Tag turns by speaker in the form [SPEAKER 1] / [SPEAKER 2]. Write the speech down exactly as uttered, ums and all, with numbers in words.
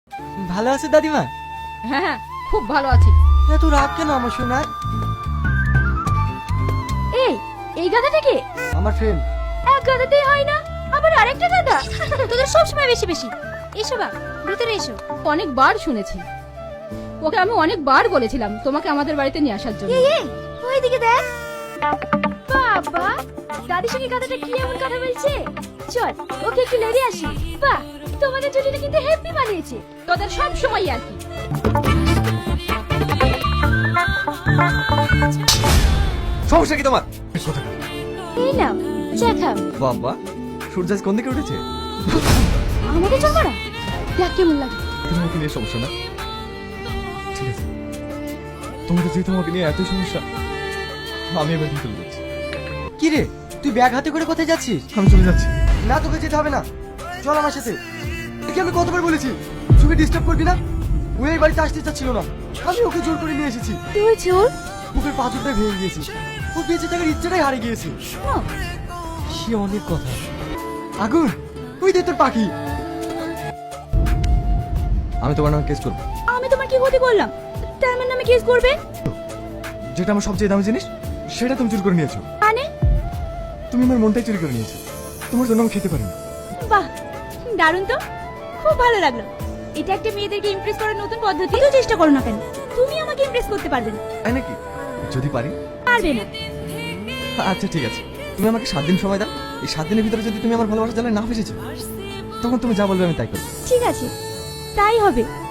[SPEAKER 1] ভালো আছে দাদিমা?
[SPEAKER 2] হ্যাঁ হ্যাঁ খুব ভালো আছি।
[SPEAKER 1] এত রাগ কেন আমার শোনায়?
[SPEAKER 2] এই এই গাধাটা কে?
[SPEAKER 1] আমার ফ্রেন্ড।
[SPEAKER 2] এক গাধাতেই হয় না, আবার আরেকটা গাধা। তোদের সব সময় বেশি বেশি। এসো বা ভিতরে এসো। অনেকবার শুনেছি, ওকে আমি অনেকবার বলেছিলাম তোমাকে আমাদের বাড়িতে নিয়ে আসার জন্য। এই এই ওইদিকে দেখ। বাবা, দাদির সঙ্গে গাধাটা কি এমন কথা বলছে? চল ওকে একটু লেড়ে আসি। বাহ, তোমাদের জুটিটা কিন্তু হেপি বানিয়েছে। তোদের সব সময় আর কি।
[SPEAKER 1] সমস্যা কি তোমার?
[SPEAKER 2] এই নাও চা খাও।
[SPEAKER 1] বাবা, সূর্য আজ কোন দিকে উঠেছে?
[SPEAKER 2] আমাকে চল করা দেখ কেমন লাগে।
[SPEAKER 1] তোমার কি নিয়ে সমস্যা না? ঠিক আছে, তোমাদের যেহেতু আমাকে নিয়ে এতই সমস্যা, আমি এবার কি চলে যাচ্ছি। কি রে, তুই ব্যাগ হাতে করে কোথায় যাচ্ছিস? আমি চলে যাচ্ছি। না, তোকে যেতে হবে না, চল আমার সাথে। একে আমি কতবার বলেছি তোকে ডিস্টার্ব করবি না। ও এই বাড়িতে আসতে চাচ্ছিল না, আমি ওকে জোর করে নিয়ে এসেছি।
[SPEAKER 2] তুই চোর?
[SPEAKER 1] বুকের পাথরটা ভেঙে গিয়েছে, ও বেঁচে থাকার ইচ্ছাটাই হারিয়ে গিয়েছে।
[SPEAKER 2] শোনো,
[SPEAKER 1] সে অনেক কথা। আগুন, ওই দে তোর পাখি। আমি তোমার নামে কেস করবো।
[SPEAKER 2] আমি তোমার কি ক্ষতি করলাম তাই আমার নামে কেস করবে?
[SPEAKER 1] যেটা আমার সবচেয়ে দামি জিনিস সেটা তুমি চুরি করে নিয়েছো।
[SPEAKER 2] মানে?
[SPEAKER 1] তুমি আমার মনটাই চুরি করে নিয়েছো, তোমার জন্য আমি খেতে পারিনি।
[SPEAKER 2] বাহ, দারুণ তো, খুব ভালো লাগলো। এটা একটা মেয়েদেরকে ইমপ্রেস করার নতুন পদ্ধতি। তো চেষ্টা করো না কেন, তুমি আমাকে ইমপ্রেস করতে পারবে না।
[SPEAKER 1] তাই নাকি? যদি পারি।
[SPEAKER 2] পারবে না।
[SPEAKER 1] আচ্ছা ঠিক আছে, তুমি আমাকে সাত দিন সময় দাও। এই সাত দিনের ভিতরে যদি তুমি আমার ভালোবাসা জ্বালায় না ফেসেছো, তখন তুমি যা বলবে আমি তাই করবো।
[SPEAKER 2] ঠিক আছে, তাই হবে।